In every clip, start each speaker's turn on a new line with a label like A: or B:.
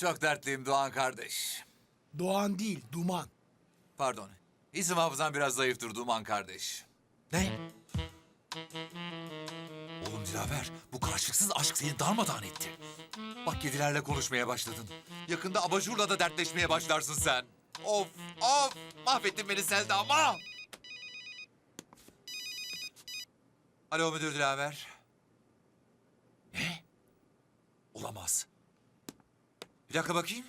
A: Çok dertliyim Doğan kardeş.
B: Doğan değil, Duman.
A: Pardon. İsim hafızam biraz zayıftır Duman kardeş. Ne? Oğlum Dilaver, bu karşılıksız aşk seni darmadağın etti. Bak kedilerle konuşmaya başladın. Yakında abajurla da dertleşmeye başlarsın sen. Of, of! Mahvettin beni Selda ama! Alo müdür Dilaver. Ne? Olamaz. Bir dakika bakayım.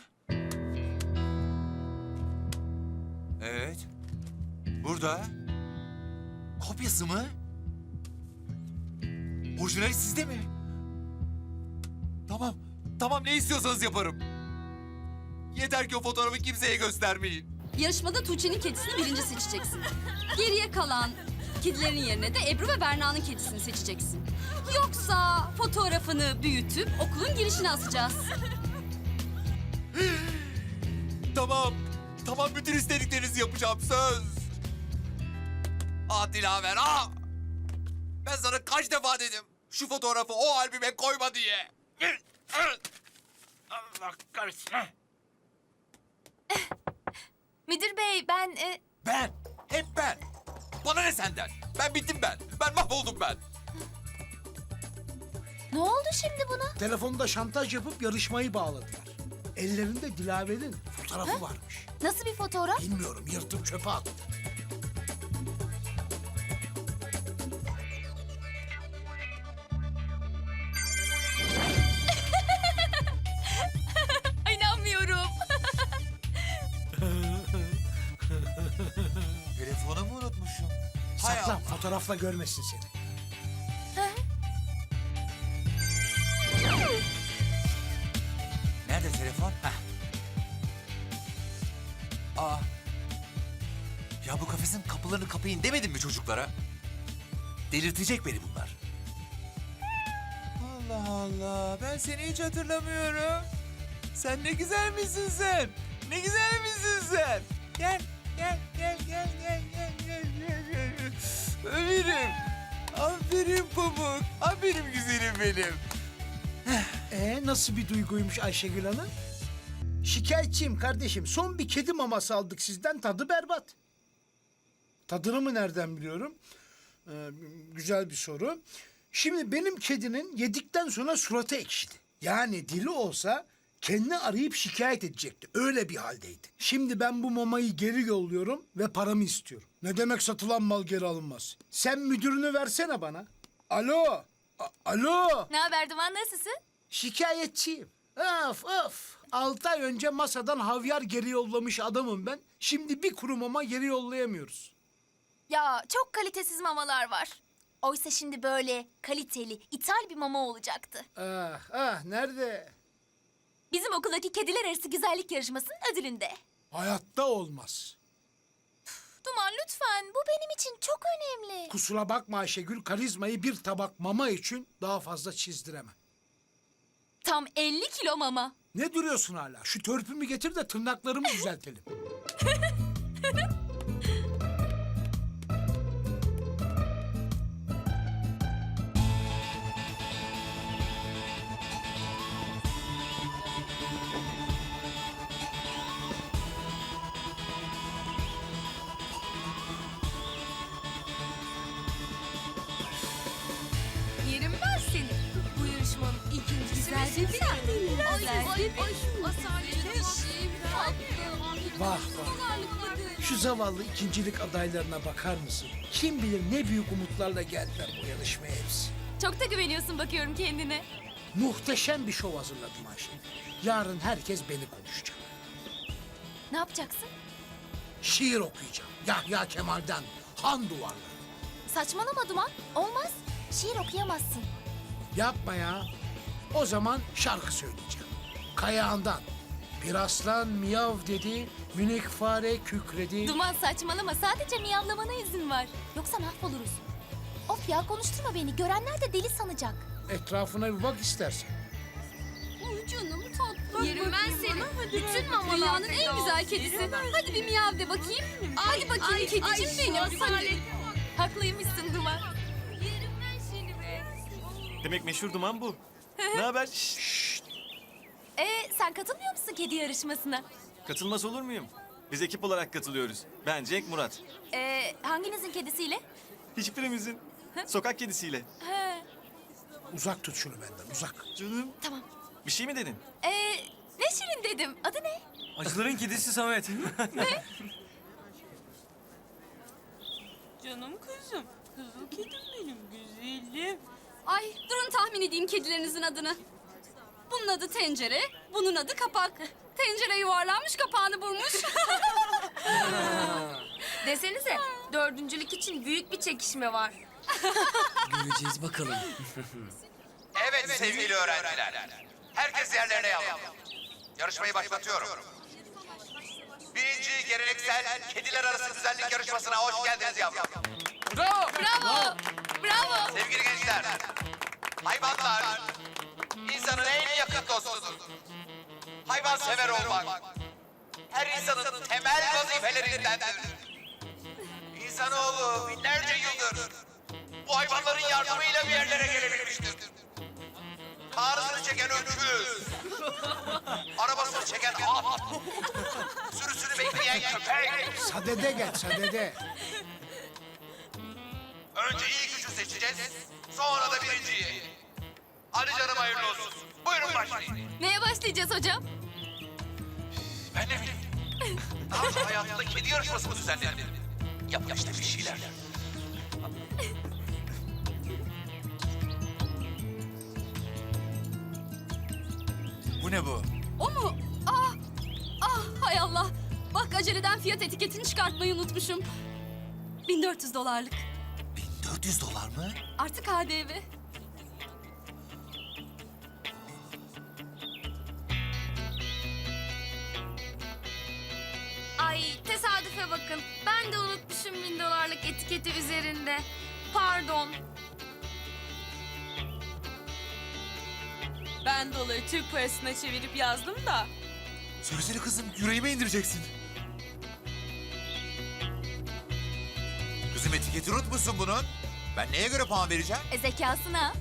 A: Evet. Burada. Kopyası mı? Orijinali sizde mi? Tamam. Tamam ne istiyorsanız yaparım. Yeter ki o fotoğrafı kimseye göstermeyin.
C: Yarışmada Tuğçe'nin kedisini birinci seçeceksin. Geriye kalan kedilerin yerine de Ebru ve Berna'nın kedisini seçeceksin. Yoksa fotoğrafını büyütüp okulun girişine asacağız.
A: Tamam. Tamam bütün istediklerinizi yapacağım söz. Ah Dilaver ah. Ben sana kaç defa dedim. Şu fotoğrafı o albüme koyma diye. Allah kahretsin.
D: Müdür bey ben...
A: Ben. Hep ben. Bana ne senden? Ben bittim ben. Ben mahvoldum ben.
D: Ne oldu şimdi buna?
B: Telefonda şantaj yapıp yarışmayı bağladılar. Ellerinde Dilaver'in fotoğrafı varmış.
D: Nasıl bir fotoğraf?
B: Bilmiyorum, yırtıp çöpe attı.
D: Ay, inanmıyorum.
A: Telefonumu unutmuşum. Hay
B: Sakla,
A: Allah.
B: fotoğrafla görmesin seni.
A: Nerede telefon? Heh. Aa. Ya bu kafesin kapılarını kapayın demedim mi çocuklara? Delirtecek beni bunlar. Allah Allah. Ben seni hiç hatırlamıyorum. Sen ne güzel misin sen? Ne güzel misin sen? Gel, gel, gel, gel, gel, gel, gel, gel, gel. Ömerim. Aferin Pamuk. Aferin güzelim benim.
B: Nasıl bir duyguymuş Ayşegül Hanım? Şikayetçiyim kardeşim. Son bir kedi maması aldık sizden, tadı berbat. Tadını mı nereden biliyorum? Güzel bir soru. Şimdi benim kedinin yedikten sonra suratı ekşidi. Yani dili olsa kendini arayıp şikayet edecekti. Öyle bir haldeydi. Şimdi ben bu mamayı geri yolluyorum ve paramı istiyorum. Ne demek satılan mal geri alınmaz? Sen müdürünü versene bana. Alo. Alo.
D: Ne haber Duman, nasılsın?
B: Şikayetçiyim. Of of. 6 ay önce masadan havyar geri yollamış adamım ben. Şimdi bir kuru mama geri yollayamıyoruz.
D: Ya çok kalitesiz mamalar var. Oysa şimdi böyle kaliteli, ithal bir mama olacaktı.
B: Nerede?
D: Bizim okuldaki kediler arası güzellik yarışmasının ödülünde.
B: Hayatta olmaz.
D: Duman lütfen, bu benim için çok önemli.
B: Kusura bakma Ayşegül, karizmayı bir tabak mama için daha fazla çizdiremem.
D: Tam 50 kilo mama.
B: Ne duruyorsun hala? Şu törpümü getir de tırnaklarımı düzeltelim.
E: Yerim ben seni. Bu yarışmanın ikincisi ve
B: Vah vah. Şu zavallı ikincilik adaylarına bakar mısın? Kim bilir ne büyük umutlarla geldiler bu yarışmaya hepsi.
D: Çok da güveniyorsun bakıyorum kendine.
B: Muhteşem bir şov hazırladım Ayşegül. Yarın herkes beni konuşacak.
D: Ne yapacaksın?
B: Şiir okuyacağım. Yahya Kemal'den Han Duvarları.
D: Saçmalama Duman. Olmaz. Şiir okuyamazsın.
B: Yapma ya. O zaman şarkı söyleyeceğim. Kayağından. Bir aslan miyav dedi, minik fare kükredi.
D: Duman saçmalama. Sadece miyavlamana izin var. Yoksa mahvoluruz. Of ya, konuşturma beni. Görenler de deli sanacak.
B: Etrafına bir bak istersen.
C: Ay canım tatlım.
E: Yerim ben seni. Bütün mamalar
C: Dünyanın en güzel kedisi. Hadi bir miyav de bakayım. Hadi bakayım kedicim benim. Hadi.
D: Haklıymışsın Duman.
E: Yerim ben seni be.
F: Demek meşhur duman bu. Ne haber?
D: Sen katılmıyor musun kedi yarışmasına?
F: Katılmaz olur muyum? Biz ekip olarak katılıyoruz. Ben Cenk Murat.
D: Hanginizin kedisiyle?
F: Hiçbirimizin sokak kedisiyle.
D: He.
B: Uzak tut şunu benden, uzak.
F: Canım.
D: Tamam.
F: Bir şey mi dedin?
D: Ne Şirin dedim. Adı ne?
G: Acıların kedisi Samet.
E: Canım kızım. Kızıl kedim benim güzelim.
C: Ay durun tahmin edeyim kedilerinizin adını. Bunun adı tencere, bunun adı kapak. Tencere yuvarlanmış, kapağını vurmuş.
E: Desenize dördüncülük için büyük bir çekişme var.
G: Göreceğiz bakalım.
A: Evet sevgili öğrenciler. Herkes yerlerine yavrum. Yarışmayı başlatıyorum. Birinci geleneksel kediler arası güzellik yarışmasına hoş geldiniz yavrum.
C: Bravo! Bravo!
A: Sevgili gençler, hayvanlar insanın en yakın dostudur. Hayvan sever olmak her insanın temel vazifelerindendir. İnsanoğlu binlerce yıldır bu hayvanların yardımıyla bir yerlere gelebilmiştir. Karısını çeken öküz, arabasını çeken at, sürüsünü bekleyen köpek.
B: Sadede gel, sadede.
A: Önce ilk üçü seçeceğiz, sonra da birinciyi. Hadi canım hayırlı olsun. Buyurun başlayın.
C: Neye başlayacağız hocam?
A: Ben ne bileyim. Daha önce hayatımda kedi yarışması mı düzenledim? Yap işte bir şeyler. Bu ne bu?
C: O mu? Hay Allah. Bak aceleden fiyat etiketini çıkartmayı unutmuşum. 1400 dolarlık.
A: 1400 dolar mı?
C: Artık KDV.
E: Ay tesadüfe bakın. Ben de unutmuşum 1000 dolarlık etiketi üzerinde. Pardon.
H: Ben doları Türk parasına çevirip yazdım da.
A: Söylesene kızım, yüreğime indireceksin. Kızım etiketi unutmuşsun bunun. Ben neye göre puan vereceğim?
D: Zekasına.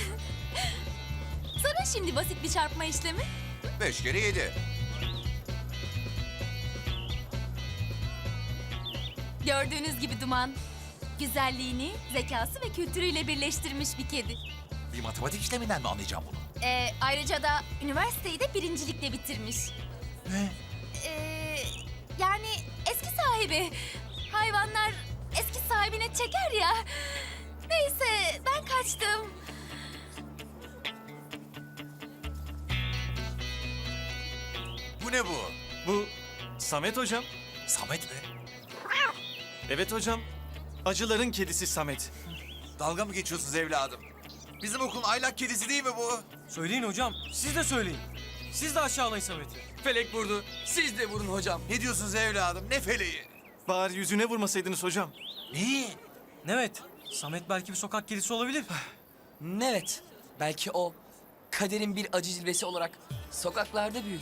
D: Sana şimdi basit bir çarpma işlemi.
A: 5 kere 7.
D: Gördüğünüz gibi Duman, güzelliğini, zekası ve kültürüyle birleştirmiş bir kedi.
A: Bir matematik işleminden mi anlayacağım bunu?
D: Ayrıca da üniversiteyi de birincilikle bitirmiş.
A: Ne?
D: Yani eski sahibi. Hayvanlar eski sahibine çeker ya. Neyse ben kaçtım.
A: Bu ne bu?
F: Bu Samet hocam.
A: Samet mi?
F: Evet hocam. Acıların kedisi Samet.
A: Dalga mı geçiyorsunuz evladım? Bizim okulun aylak kedisi değil mi bu?
G: Söyleyin hocam. Siz de söyleyin. Siz de aşağılayın Samet'i.
I: Felek vurdu. Siz de vurun hocam.
A: Ne diyorsunuz evladım? Ne feleği?
F: Bari yüzüne vurmasaydınız hocam.
A: Neyi?
G: Evet. Samet belki bir sokak kedisi olabilir.
I: Evet. Belki o kaderin bir acı cilvesi olarak sokaklarda büyüdü.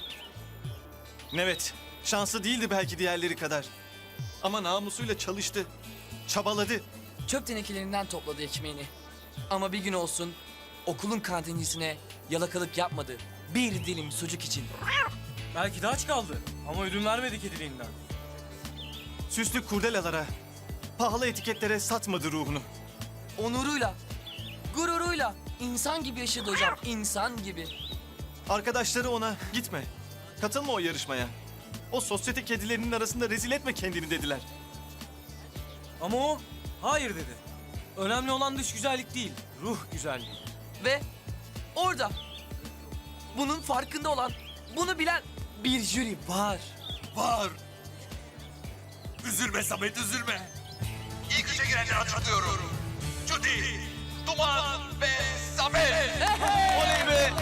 F: Evet. Şanslı değildi belki diğerleri kadar. Ama namusuyla çalıştı. Çabaladı.
I: Çöp tenekelerinden topladı ekmeğini. Ama bir gün olsun okulun kantincisine yalakalık yapmadı. Bir dilim sucuk için.
G: Belki de aç kaldı. Ama ödün vermedi kediliğinden.
F: Süslü kurdelalara, pahalı etiketlere satmadı ruhunu.
I: Onuruyla, gururuyla insan gibi yaşadı hocam. İnsan gibi.
F: Arkadaşları ona gitme, katılma o yarışmaya. O sosyete kedilerinin arasında rezil etme kendini dediler.
G: Ama o hayır dedi. Önemli olan dış güzellik değil, ruh güzelliği.
I: Ve orada bunun farkında olan, bunu bilen bir jüri var.
A: Var. Üzülme Samet, üzülme. İlk üçe girenleri açıklıyorum. Judy, Duman ve Samet.
F: Oley be!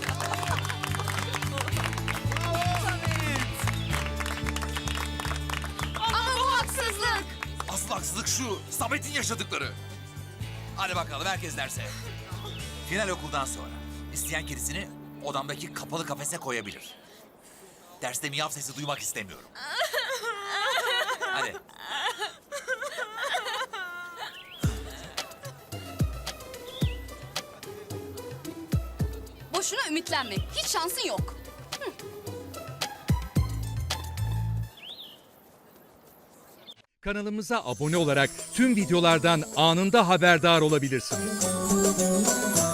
C: Ama bu haksızlık.
A: Asıl haksızlık şu, Samet'in yaşadıkları. Hadi bakalım herkes derse. Final okuldan sonra isteyen kedisini odamdaki kapalı kafese koyabilir. Derste miyav sesi duymak istemiyorum. Hadi.
C: Boşuna ümitlenme. Hiç şansın yok.
J: Kanalımıza abone olarak tüm videolardan anında haberdar olabilirsiniz.